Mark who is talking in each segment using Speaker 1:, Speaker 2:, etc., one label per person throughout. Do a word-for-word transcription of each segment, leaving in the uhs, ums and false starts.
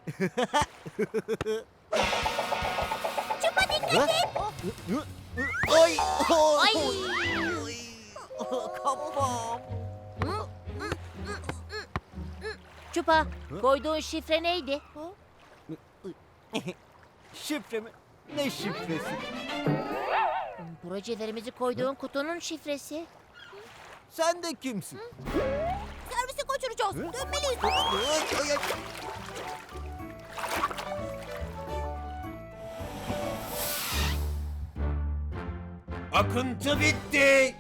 Speaker 1: Çupa dikkat et.
Speaker 2: Ay!
Speaker 1: Ay!
Speaker 2: Ay! Kafam!
Speaker 1: Çupa, koyduğun şifre neydi?
Speaker 2: Şifre mi? Ne şifresi?
Speaker 1: Projelerimizi koyduğun kutunun şifresi.
Speaker 2: Sen de kimsin?
Speaker 1: Servisi kaçıracağız. Dönmeliyiz.
Speaker 2: Ay, ay, ay.
Speaker 3: Akıntı bitti.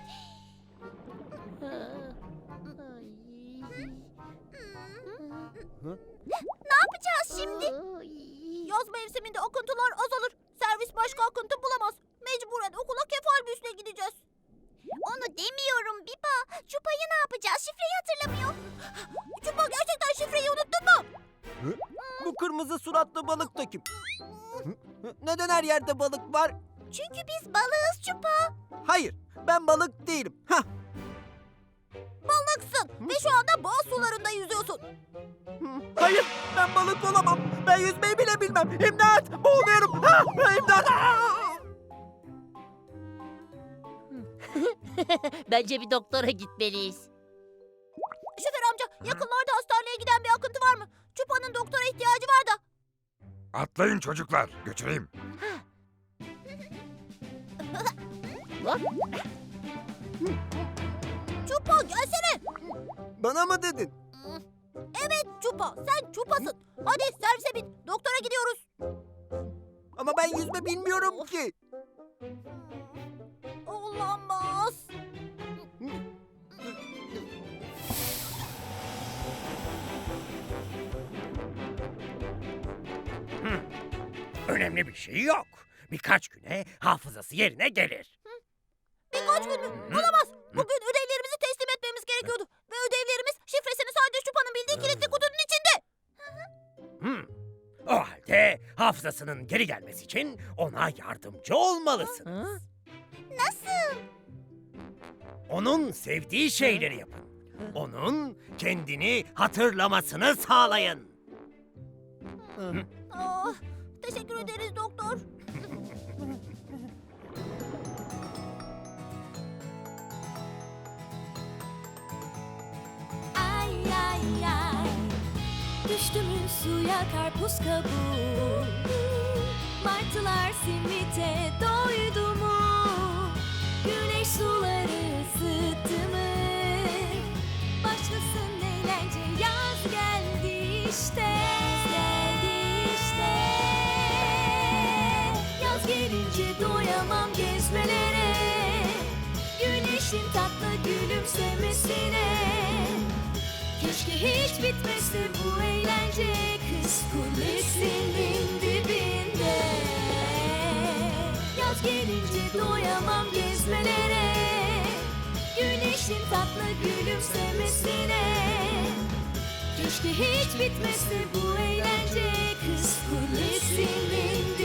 Speaker 1: Ne yapacağız şimdi? Yaz mevsiminde akıntılar azalır. Servis başka akıntı bulamaz. Mecburen okula kefal büsle gideceğiz. Onu demiyorum Biba. Çupa'yı ne yapacağız? Şifreyi hatırlamıyor. Çupa gerçekten şifreyi unuttun mu?
Speaker 2: Bu kırmızı suratlı balık da kim? Neden her yerde balık var?
Speaker 1: Çünkü biz balığız Çupa.
Speaker 2: Hayır, ben balık değilim. Hah.
Speaker 1: Balıksın ve şu anda boğaz sularında yüzüyorsun.
Speaker 2: Hayır, ben balık olamam. Ben yüzmeyi bile bilmem. İmdat, boğuluyorum. Ha, imdat.
Speaker 1: Bence bir doktora gitmeliyiz. Şoför amca, yakınlarda hastaneye giden bir akıntı var mı? Çupa'nın doktora ihtiyacı var da.
Speaker 3: Atlayın çocuklar, götüreyim.
Speaker 1: Çupa gelsene.
Speaker 2: Bana mı dedin?
Speaker 1: Evet Çupa, sen Çupa'sın. Hadi servise bin, doktora gidiyoruz.
Speaker 2: Ama ben yüzme bilmiyorum ki.
Speaker 1: Olamaz.
Speaker 3: Önemli bir şey yok. Birkaç güne hafızası yerine gelir.
Speaker 1: Birkaç gün mü? Olamaz. Bugün ödevlerimizi teslim etmemiz gerekiyordu. Ve ödevlerimiz şifresini sadece Çupa'nın bildiği kilitli kutunun içinde.
Speaker 3: Hmm. O halde hafızasının geri gelmesi için ona yardımcı olmalısın.
Speaker 1: Nasıl?
Speaker 3: Onun sevdiği şeyleri yapın. Onun kendini hatırlamasını sağlayın.
Speaker 1: Ah, teşekkür ederiz doktor.
Speaker 4: Ay ay ay, düştü mü suya karpuz kabuğu? Martılar simite doydu mu? Güneş suları ısıttı mı? Başlasın eğlence, yaz geldi işte. Geldi işte. Yaz gelince doyamam gezmelere, güneşin tatlı gülümsemesine. Keşke hiç bitmese bu eğlence, kız kulesinin dibinde. Yaz gelince doyamam gezmelere, güneşin tatlı gülümsemesine. Keşke hiç bitmese bu eğlence, kız kulesinin dibinde.